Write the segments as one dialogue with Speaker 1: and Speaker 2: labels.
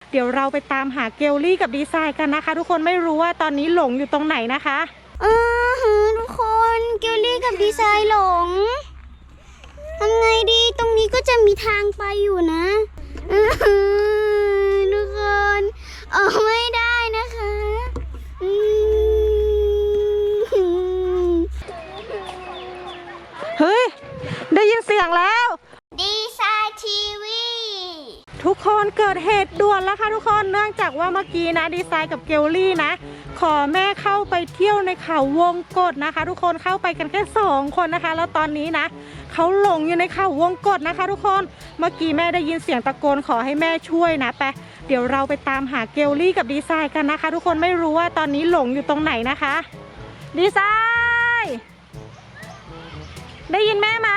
Speaker 1: เดี๋ยวเราไปตามหาเกลลี่กับดีไซน์กันนะคะทุกคนไม่รู้ว่าตอนนี้หลงอยู่ตรงไหนนะคะ
Speaker 2: ทุกคนเกลลี่กับดีไซน์หลงทำไงดีตรงนี้ก็จะมีทางไปอยู่นะทุกคนออกไม่ได้นะคะ
Speaker 1: เฮ้ยได้ยินเสียงแล้ว
Speaker 2: ดีไซน์ทีวี
Speaker 1: ทุกคนเกิดเหตุด่วนแล้วค่ะทุกคนเนื่องจากว่าเมื่อกี้นะดีไซน์กับเกลลี่นะขอแม่เข้าไปเที่ยวในเขาวงกตนะคะทุกคนเข้าไปกันแค่2 คนนะคะแล้วตอนนี้นะเขาหลงอยู่ในเขาวงกตนะคะทุกคนเมื่อกี้แม่ได้ยินเสียงตะโกนขอให้แม่ช่วยนะไปเดี๋ยวเราไปตามหาเกลลี่กับดีไซน์กันนะคะทุกคนไม่รู้ว่าตอนนี้หลงอยู่ตรงไหนนะคะดีไซน์ได้ยินแม่ไหม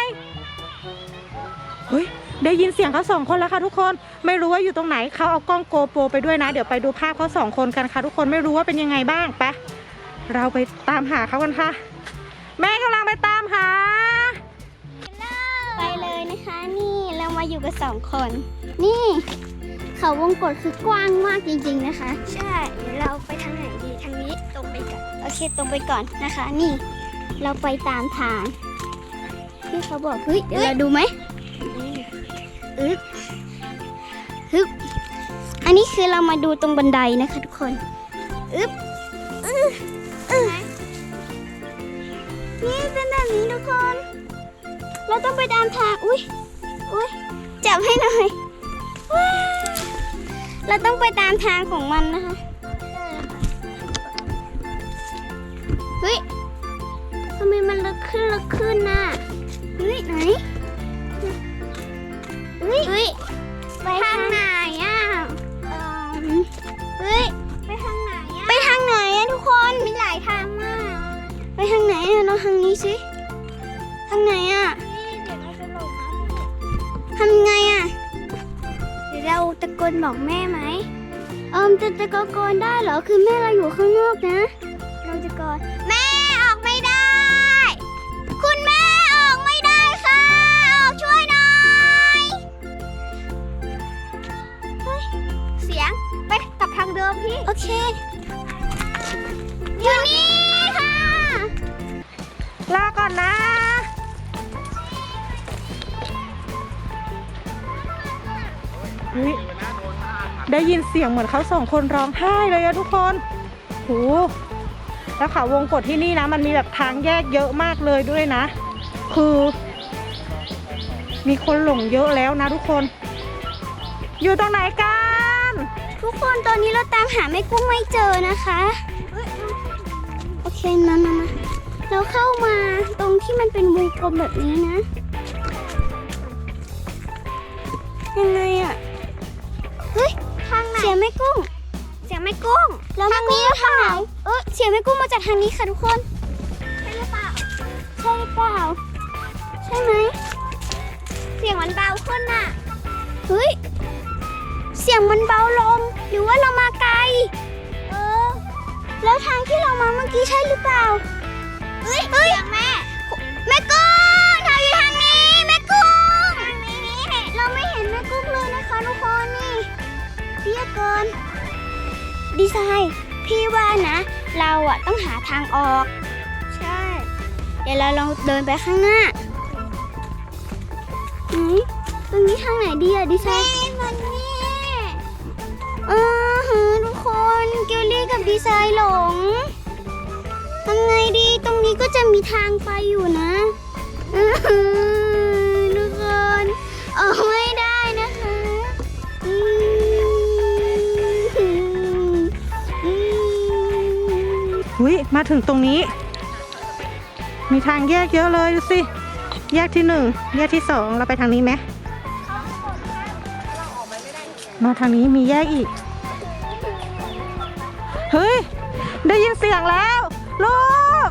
Speaker 1: เฮ้ยได้ยินเสียงเขา2 คนแล้วค่ะทุกคนไม่รู้ว่าอยู่ตรงไหนเขาเอากล้องโกโปรไปด้วยนะเดี๋ยวไปดูภาพเขา2 คนกันค่ะทุกคนไม่รู้ว่าเป็นยังไงบ้างไปเราไปตามหาเขากันค่ะแม่กำลังไปตามหา
Speaker 2: ไปเลยนะคะนี่เรามาอยู่กับ2 คนนี่เขาวงกตคือกว้างมากจริงๆนะคะใช่เราไปทางไหนดีทางนี้ตรงไปก่อนโอเคตรงไปก่อนนะคะนี่เราไปตามทางที่เขาบอกเฮ้ยเดี๋ยวเราดูไหมฮึบอันนี้คือเรามาดูตรงบันไดนะคะทุกคนนี่เป็นแบบนี้ทุกคนเราต้องไปตามทางอุ้ยจับให้หน่อยเราต้องไปตามทางของมันนะคะเฮ้ยทำไมมันลึกขึ้นน่ะเฮ้ยไหนเฮ้ยไปทางไหนอ่ะเฮ้ยไปทางไหนอ่ะไปทางไหนอ่ะทุกคนมีหลายทางมากไปทางไหนอ่ะลองทางนี้สิทางไหนอ่ะเดี๋ยวเราจะหลงนะทำไงอ่ะเดี๋ยวเราตะโกนบอกแม่ไหมจะตะโกนได้เหรอคือแม่เราอยู่ข้างนอกนะเราจะตะโกนแม่ออกไม่ได้คุณแม่ออกไม่ได้ค่ะออกช่วยหน่อยเสียงไปกลับทางเดิมพี่โอเคอยู่นี่ค่ะ
Speaker 1: ลาก่อนนะเฮ้ยได้ยินเสียงเหมือนเขา2 คนร้องไห้เลยอะทุกคนโหแล้วเขาวงกตที่นี่นะมันมีแบบทางแยกเยอะมากเลยด้วยนะคือมีคนหลงเยอะแล้วนะทุกคนอยู่ตรงไหนกัน
Speaker 2: ทุกคนตอนนี้เราตามหาแม่กุ้งไม่เจอนะคะโอเคมาเราเข้ามาตรงที่มันเป็นวงกลมแบบนี้นะยังไงอะเฮ้ยทางไหนเสียงแม่กุ้งแล้วทางนี้ทางไหนเสียงแม่กุ้งมาจากทางนี้ค่ะทุกคนใช่หรือเปล่าใช่ไหมเสียงมันเบาขึ้นน่ะเฮ้ยเสียงมันเบาลงหรือว่าเรามาไกลแล้วทางที่เรามาเมื่อกี้ใช่หรือเปล่าเฮ้ยแม่กุ้งเธออยู่ทางนี้แม่กุ้งทางนี้เราไม่เห็นแม่กุ้งเลยนะคะทุกคนนี่เพี้ยเกินดีไซน์พี่ว่านะเราอะต้องหาทางออกใช่เดี๋ยวเราลองเดินไปข้างหน้าตรงนี้ทางไหนดีอะดีไซน์มันนี่ทุกคนเกลลี่กับดีไซน์หลงทำไงดีตรงนี้ก็จะมีทางไปอยู่นะทุกคนออกไม่ได้นะคะ
Speaker 1: มาถึงตรงนี้มีทางแยกเยอะเลยดูสิแยกที่1แยกที่2เราไปทางนี้ไหมมาทางนี้มีแยกอีกเฮ้ยได้ยินเสียงแล้วลูก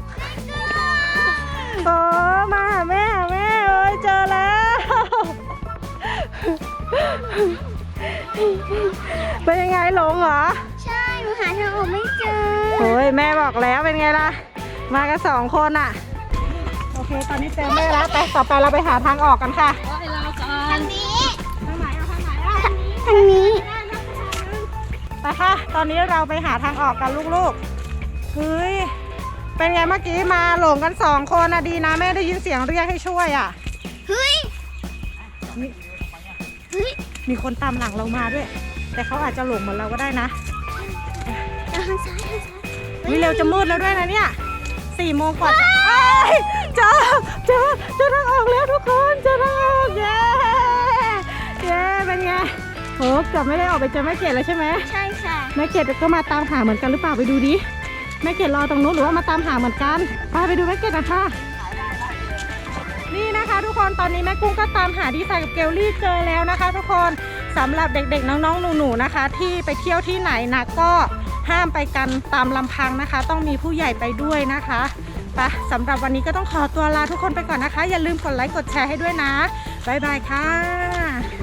Speaker 1: มาหาแม่เอ้ยเจอแล้วเป็นยังไงหลงเหรอ
Speaker 2: ใช่หนูหาทางออกไม่เจอ
Speaker 1: โอ้ยแม่บอกแล้วเป็นไงล่ะมากัน2 คนอ่ะโอเคตอนนี้เจอแม่แล้วไปต่อไปเราไปหาทางออกกันค่ะ
Speaker 2: ทางนี้ทางนี้
Speaker 1: ตอนนี้เราไปหาทางออกกันลูกๆเฮ้ยเป็นไงเมื่อกี้มาหลงกัน2 คนนะดีนะแม่ได้ยินเสียงเรียกให้ช่วยอ่ะ
Speaker 2: เฮ้ย
Speaker 1: มีคนตามหลังเรามาด้วย แต่เขาอาจจะหลงเหมือนเราก็ได้นะ
Speaker 2: ทางซ้ายทางซ้าย
Speaker 1: วิเร็วจะมืดแล้วด้วยนะเนี่ย4 โมงกว่าเจอทางออกแล้วทุกคนเจอทางออกเย้เป็นไงโหเกือบไม่ได้ออกไปเจอแม่เกดแล้วใช่ไหม
Speaker 2: ใช่ค่ะ
Speaker 1: แม่เกดก็มาตามหาเหมือนกันหรือเปล่าไปดูดิแม่เกดรอตรงนู้นหรือว่ามาตามหาเหมือนกันไปดูแม่เกดนะคะนี่นะคะทุกคนตอนนี้แม่กุ้งก็ตามหาดีไซน์กับเกลลี่เจอแล้วนะคะทุกคนสำหรับเด็กๆน้องๆหนูๆนะคะ ที่ไปเที่ยวที่ไหนนะก็ห้ามไปกันตามลำพังนะคะ ต้องมีผู้ใหญ่ไปด้วยนะคะไปสำหรับวันนี้ก็ต้องขอตัวลาทุกคนไปก่อนนะคะอย่าลืมกดไลค์กดแชร์ให้ด้วยนะบ๊ายบายค่ะ